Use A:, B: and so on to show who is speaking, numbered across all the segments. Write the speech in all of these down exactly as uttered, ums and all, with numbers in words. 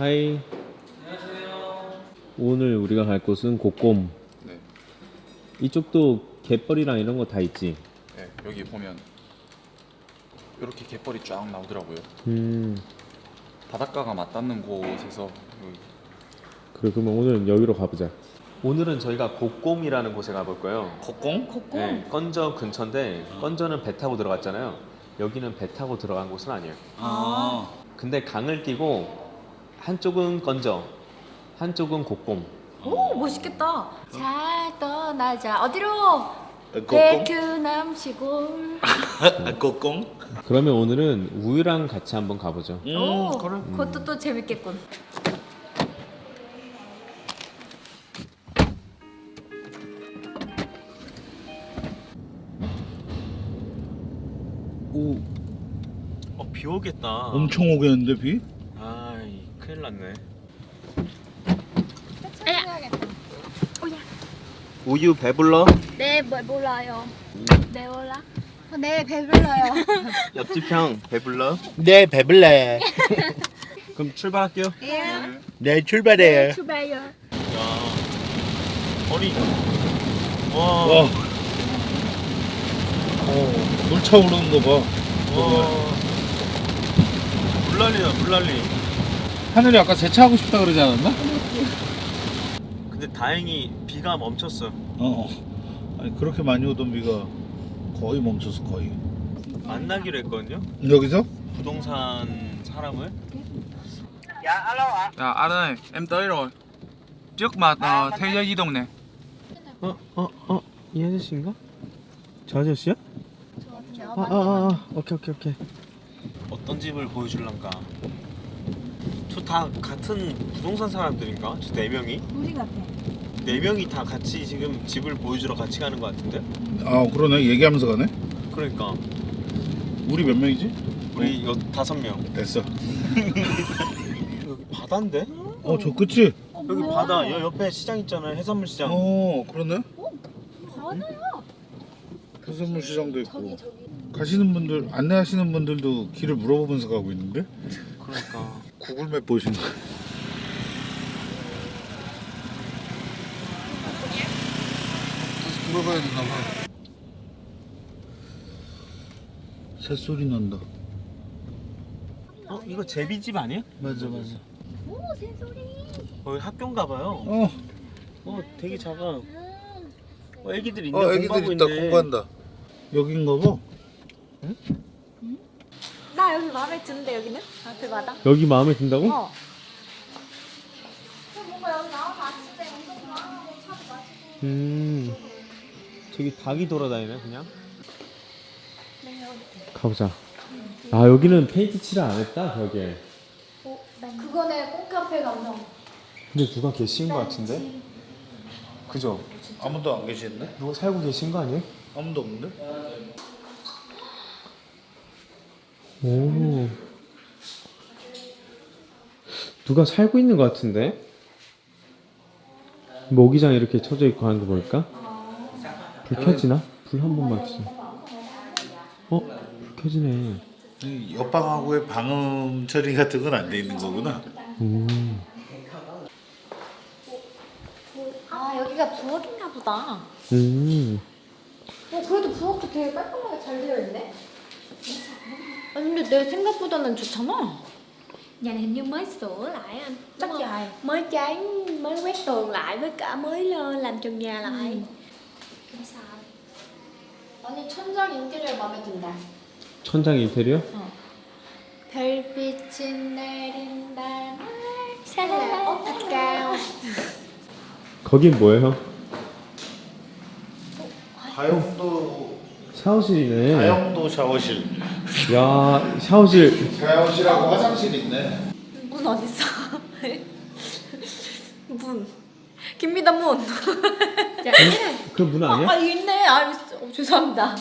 A: 하이.
B: 안녕하세요.
A: 오늘 우리가 갈 곳은 고꼼.
B: 네.
A: 이쪽도 갯벌이랑 이런 거 다 있지?
B: 네, 여기 보면 이렇게 갯벌이 쫙 나오더라고요.
A: 음.
B: 바닷가가 맞닿는 곳에서 여기.
A: 그래, 그러면 오늘은 여기로 가보자. 오늘은 저희가 고꼼이라는 곳에 가볼 거예요.
B: 고공?
C: 고꼼?
A: 네, 건저 근처인데 건저는 배 타고 들어갔잖아요. 여기는 배 타고 들어간 곳은 아니에요.
B: 아.
A: 근데 강을 끼고 한쪽은 건저, 한쪽은 고꼼.
C: 오, 멋있겠다. 잘 떠나자. 어디로?
D: 고공?
C: 베트남 시골.
D: 고공?
A: 그러면 오늘은 우유랑 같이 한번 가보죠.
D: 음,
C: 오,
D: 그래.
C: 그것도 또 재밌겠군.
A: 오, 어, 비 오겠다.
D: 엄청 오겠는데 비?
A: 아이, 큰일 났네. 우유 배불러?
E: 네, 뭐, 몰라요. 네, 몰라. 어, 네, 배불러요.
A: 옆집 형 배불러?
D: 네, 배불러요.
A: 그럼 출발할게요.
E: 예.
D: 네, 출발해요.
E: 출발요.
A: 야, 아니, 와,
D: 와. 어, 물 차오르는 거 봐.
A: 와, 물난리다, 물난리.
D: 하늘이 아까 세차하고 싶다 그러지 않았나?
A: 근데 다행히 비가 멈췄어.
D: 어, 어. 아니 그렇게 많이 오던 비가 거의 멈췄어, 거의.
A: 만나기로 했거든요.
D: 여기서?
A: 부동산 사람을.
F: Dạ anh ơi, em tới rồi. Trước mặt ờ, thế giới di động nè.
A: 어, 어, 어, 이 아저씨인가? 저 아저씨야? 아, 아, 아, 오케이, 오케이, 오케이. 어떤 집을 보여줄란가? 저 다 같은 부동산 사람들인가? 저 네 명이?
C: 우리 같아.
A: 네 명이 다 같이 지금 집을 보여주러 같이 가는 것 같은데?
D: 아, 그러네. 얘기하면서 가네.
A: 그러니까
D: 우리 몇 명이지?
A: 우리 여 다섯 명.
D: 됐어.
A: 여기 바다인데?
D: 어, 저 끝이?
A: 여기 바다. 여 옆에 시장 있잖아요. 해산물 시장.
D: 어, 그러네.
C: 바다야.
D: 해산물 시장도 있고. 가시는 분들, 안내하시는 분들도 길을 물어보면서 가고 있는데?
A: 그러니까.
D: 구글맵 보시는 거. 물어봐야 되나 봐. 새소리 난다.
A: 어, 이거 제비집 아니야?
D: 맞아, 맞아.
E: 오, 새소리.
A: 어, 학교인가 봐요.
D: 어,
A: 어, 되게 작아. 어, 애기들 있네.
D: 어, 애기들
A: 공부하고
D: 있다.
A: 있네.
D: 공부한다. 여긴가 봐.
C: 나 여기 마음에 드는데 여기는? 앞에 바다?
A: 여기 마음에 든다고?
C: 어.
E: 뭔가 여기 나와서 아침에 운동 하고 차도 마시고.
A: 음, 저기 닭이 돌아다니네 그냥. 가보자. 아, 여기는 페인트 칠을 안 했다 벽에.
E: 그거네, 콩카페 감성.
A: 근데 누가 계신 것 같은데? 그죠?
D: 아무도 안 계시는데?
A: 누가 살고 계신 거 아니에요?
D: 아무도 없는데?
A: 오, 누가 살고 있는 것 같은데? 모기장 이렇게 쳐져 있고 하는 거 보니까. 불 켜지나? 불 한 번만 켜줘. 어? 불 켜지네.
D: 이 옆방하고의 방음 처리 같은 건 안 돼 있는 거구나.
A: 음.
C: 아, 여기가 부엌인가 보다.
A: 음.
C: 어, 그래도 부엌도 되게 깔끔하게 잘 되어 있네. 아니, 근데 내 생각보다는 좋잖아.
E: Nhà này hình như mới sửa lại anh.
C: Chắc
E: Đúng không?
C: dài.
E: Mới chán, mới quét tường lại với cả mới lên làm trần nhà lại.
C: 음.
E: Không sao.
C: 아니, 천장 인테리어 마음에 든다.
A: 천장 인테리어?
E: 별빛이 내린다 날 살라 어떡해요.
A: 거긴 뭐예요?
D: 가용도
A: 샤워실이네.
D: 가용도 샤워실.
A: 야, 샤워실.
D: 샤워실하고 화장실 있네.
C: 문 어딨어? 문. 김미다 문.
A: 그 문 아니야?
C: 아, 있네. 아, 있어. 어, 죄송합니다.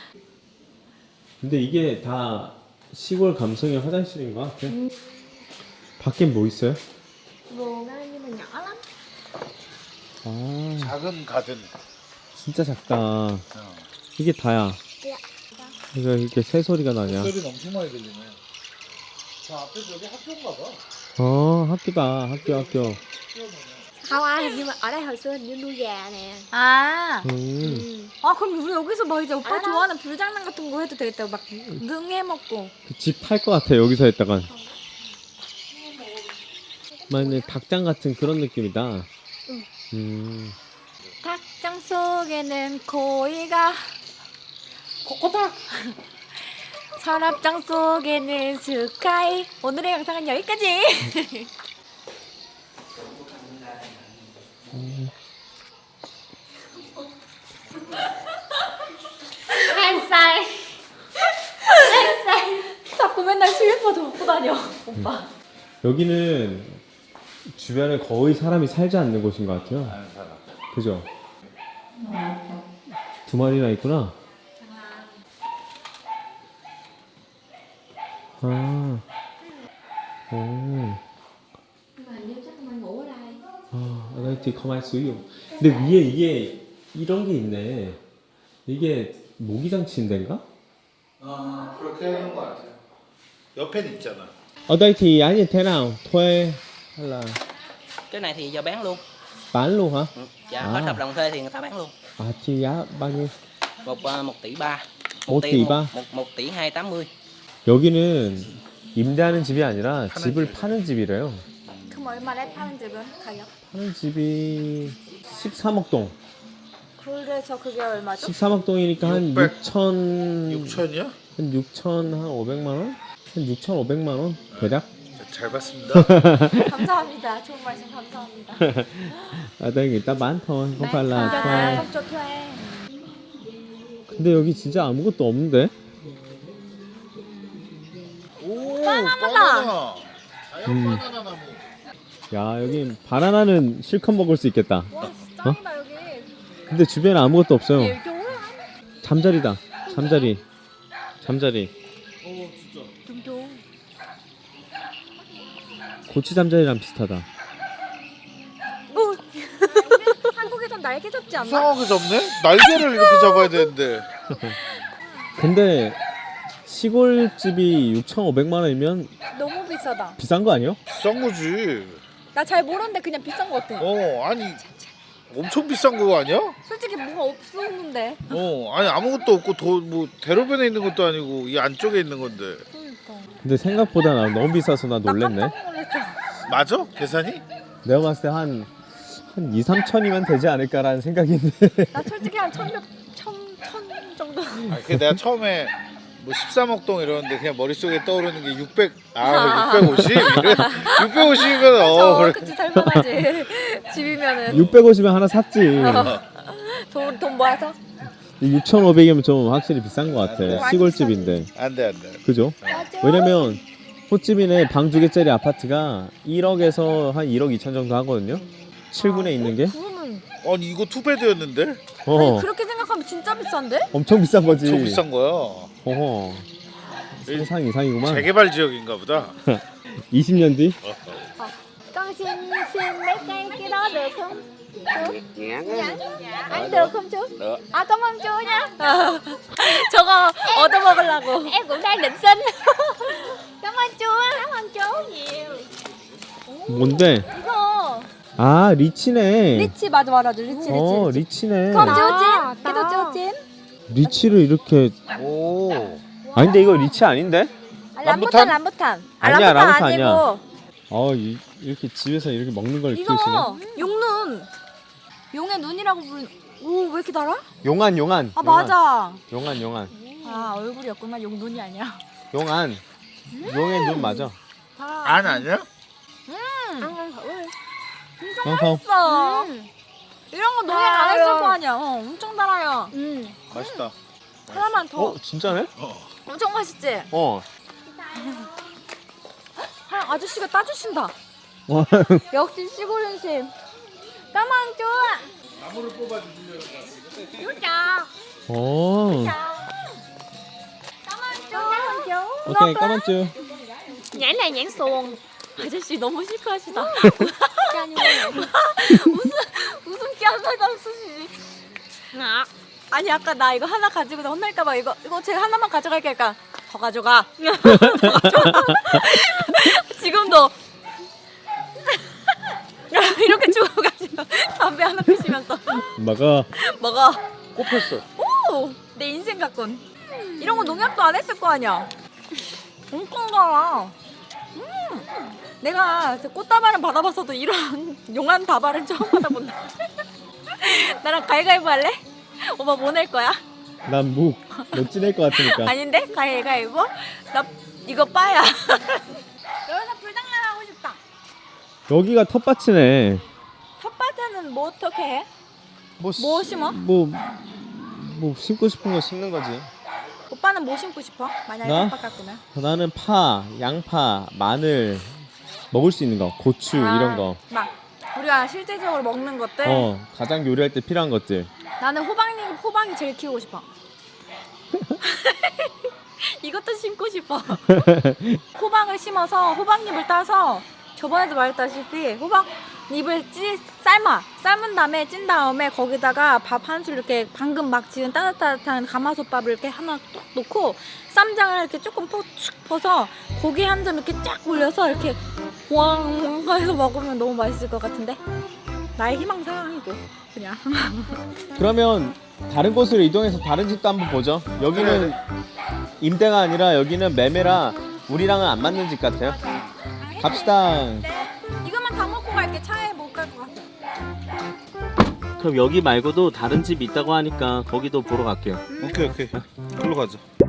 A: 근데 이게 다 시골 감성의 화장실인 것 같아. 밖엔 뭐 있어요?
E: Vườn á nhưng mà nhỏ lắm.
A: 아,
D: 작은 가든.
A: 진짜 작다.
D: 어.
A: 이게 다야.
E: Dạ.
A: 그러니까 이렇게 새 소리가 나냐?
D: 소리 엄청 많이 들리네. 저 앞에 저기 학교인가 봐.
A: 어 학교다 학교 학교.
E: Không ai, nhưng mà ở đây hồi xưa hình như nuôi gà nè.
C: 아.
A: 음.
C: 아 그럼 우리 여기서 막 이제 오빠
E: 알아.
C: 좋아하는 불장난 같은 거 해도 되겠다. 막 능해 먹고.
A: 집 팔 것 같아 여기서 했다간. 맞네 닭장 같은 그런 느낌이다. 음.
C: 닭장 속에는 고이가 코코다. 서랍장 속에는 스카이. 오늘의 영상은 여기까지.
E: Ăn say.
C: 자꾸 맨날 슬리퍼도 먹고 다녀 오빠.
A: 여기는 주변에 거의 사람이 살지 않는 곳인 것 같아요. 그죠? 두 마리나 있구나. 아. 오.
E: Mà nếu chắc mày ngủ ở đây.
A: 아, 아나이티 가만히 있어요. 근데 위에 이게 이런 게 있네. 이게 모기장치인 데인가?
D: 아 그렇게 하는 거 같아요. 옆에는 있잖아.
A: 아나이티 아니 thế nào? thuê hay là
G: Cái này thì giờ bán luôn.
A: bán luôn hả?
G: Ừ. Dạ,
A: À.
G: hết hợp đồng thuê thì người ta bán luôn.
A: 아, thì giá bao nhiêu?
G: Một uh, một tỷ ba.
A: một tỷ ba?
G: Một, một tỷ hai tám mươi.
A: 여기는 임대하는 집이 아니라 집을 파는 집이래요.
C: 그럼 얼마래 파는 집은 가격?
A: 파는 집이 십삼억 동.
C: 그래서 그게 얼마죠?
A: 십삼억 동이니까 한
D: 육백.
A: 육천
D: 육천이요?
A: 한 육천 한 오백만 원? 한 육천오백만 원 대략?
D: 잘 봤습니다.
C: 감사합니다. 좋은 말씀 감사합니다.
A: 아, 나 일단 많다. không phải là
C: 아,
A: thuê.
C: không cho thuê.
A: 근데 여기 진짜 아무것도 없는데?
D: 오
C: 바나나다.
D: 자연
A: 음.
D: 바나나 나무.
A: 야, 여기 바나나는 실컷 먹을 수 있겠다.
C: 와 진짜 짱이다 여기.
A: 근데 주변에 아무것도 없어요.
C: 이렇게 오래
A: 잠자리다. 잠자리. 잠자리.
C: 좀 줘.
A: 고치 잠자리랑 비슷하다.
C: 오. 한국에선 날개 잡지 않나?
D: 이상하게 잡네? 날개를 이렇게 잡아야 되는데.
A: 근데 시골집이 육천오백만 원이면
C: 너무 비싸다.
A: 비싼 거 아니에요?
D: 비싼 거지.
C: 나 잘 모르는데 그냥 비싼 거 같아.
D: 어 아니 엄청 비싼 거 아니야?
C: 솔직히 뭐가 없었는데.
D: 어 아니 아무것도 없고 도 뭐 대로변에 있는 것도 아니고 이 안쪽에 있는 건데.
C: 그러니까.
A: 근데 생각보다 나 너무 비싸서 나
C: 나
A: 놀랬네.
C: 깜짝 놀랐어.
D: 맞아? 계산이?
A: 내가 봤을 때 한 한 이, 삼천이면 되지 않을까라는 생각인데.
C: 나 솔직히 한 천몇 천, 천 정도.
D: 아, 그 내가 처음에 뭐 십삼억 동 이러는데 그냥 머릿속에 떠오르는 게 육백, 아, 육백오십? 이래? 육백오십이면 어,
C: 저
D: 그래.
C: 그치 살만하지. 집이면은
A: 육백오십에 하나 샀지.
C: 돈, 돈 모아서.
A: 육천오백이면 좀 확실히 비싼 것 같아.
C: 완전
A: 시골집인데.
D: 안 돼, 안 돼.
A: 그죠? 왜냐면 호찌민의 방 두 개짜리 아파트가 일억에서 한 일억 이천 정도 하거든요. 칠 군에 있는 게.
C: 그러면
D: 아니, 이거 투베드였는데?
A: 어,
C: 그렇게 생각하면 진짜 비싼데?
A: 엄청 비싼 거지.
D: 저 비싼 거야.
A: 어허. 상상 이상이구만.
D: 재개발 지역인가 보다.
A: 이십 년 뒤?
C: Con xin xin mấy cây cái đó được không? Chú? Dạ. Ăn được không chú?
G: Được.
C: À cảm ơn chú nha. 저거 얻어 먹으려고. Em cũng đang định xin. Cảm ơn chú. Cảm ơn chú nhiều.
A: 뭔데?
C: 이거
A: 아, 리치네.
C: 리치 맞아 맞아 리치 리치.
A: 어,
C: 리치.
A: 리치네.
C: Không chú chín. Cái đó chú chín.
A: 리치를 이렇게.
D: 오.
A: 아, 근데 이거 리치 아닌데?
C: 아,
D: 람부탄?
C: 람부탄 람부탄. 아,
A: 아니야, 람부탄
C: 아니고.
A: 아니야. 어, 이, 이렇게 집에서 이렇게 먹는 걸 키우시네.
C: 이거 용눈. 용의 눈이라고 부르는. 오 왜 이렇게 달아?
A: 용안, 용안.
C: 아
A: 용안.
C: 맞아.
A: 용안, 용안.
C: 아 얼굴이었구나 용 눈이 아니야.
A: 용안. 용의 눈 맞아.
D: 안 아니야?
C: 음.
E: Ăn thử đi.
A: 어, 어.
C: 맛있어. 이런 거 농약 안 했을 거 아니야. 어, 엄청 달아요.
E: Ừ.
D: 맛있다.
C: 하나만 더.
A: 어, 진짜네?
C: 엄청 맛있지?
A: 어.
C: 아, 아저씨가 따주신다.
A: 어.
C: 역시 시골 음식. 까만 좋아.
D: 나무를 뽑아주시려고.
C: 좋다.
A: 어.
C: 까만 좋아.
A: 오케이, 까만쭈.
E: Nhãn này nhãn xuồng.
C: 아저씨 너무 시크하시다.
E: Cho như vậy.
C: 무슨 웃음기 하나도 없으시지.
E: Ngọt.
C: 아니 아까 나 이거 하나 가지고 나 혼날까봐 이거 이거 제가 하나만 가져갈게. 그러니까 더 가져가. 더 가져가. 지금도 담배 하나 피시면서
A: 먹어.
C: 먹어.
D: 꼽혔어.
C: 오, 내 인생 같군. 이런 거 농약도 안 했을 거 아니야. 엄청 달아. 음, 내가 꽃다발은 받아봤어도 이런 용한 다발은 처음 받아본다. 나랑 가위가위보 할래? 오빠 뭐 낼 거야?
A: 난 묵. 너 찌낼 것 같으니까.
C: 아닌데? 가위가위보? 나 이거 빠야. 여기서 불장난 하고 싶다.
A: 여기가 텃밭이네.
C: 텃밭에는 뭐 어떻게 해?
A: 뭐,
C: 뭐 심어?
A: 뭐, 뭐 심고 싶은 거 심는 거지.
C: 오빠는 뭐 심고 싶어? 만약에
A: 나?
C: 텃밭 갔구나.
A: 나는 파, 양파, 마늘, 먹을 수 있는 거, 고추 이런 거.
C: 막 우리가 실제적으로 먹는 것들.
A: 어, 가장 요리할 때 필요한 것들.
C: 나는 호박잎, 호박이 제일 키우고 싶어. 이것도 심고 싶어. 호박을 심어서 호박잎을 따서 저번에도 말했다시피 호박잎을 찌, 삶아 삶은 다음에 찐 다음에 거기다가 밥 한 술 이렇게 방금 막 지은 따뜻한 가마솥밥을 이렇게 하나 뚝 놓고 쌈장을 이렇게 조금 푹 퍼서 고기 한 점 이렇게 쫙 올려서 이렇게 왕 해서 먹으면 너무 맛있을 것 같은데 나의 희망사항이고 그냥.
A: 그러면 다른 곳으로 이동해서 다른 집도 한번 보죠. 여기는 임대가 아니라 여기는 매매라 우리랑은 안 맞는 집 같아요. 갑시다.
C: 이것만 다 먹고 갈게. 차에 못 갈 것 같아.
A: 그럼 여기 말고도 다른 집이 있다고 하니까 거기도 보러 갈게요.
D: 오케이 오케이. 글로 가자.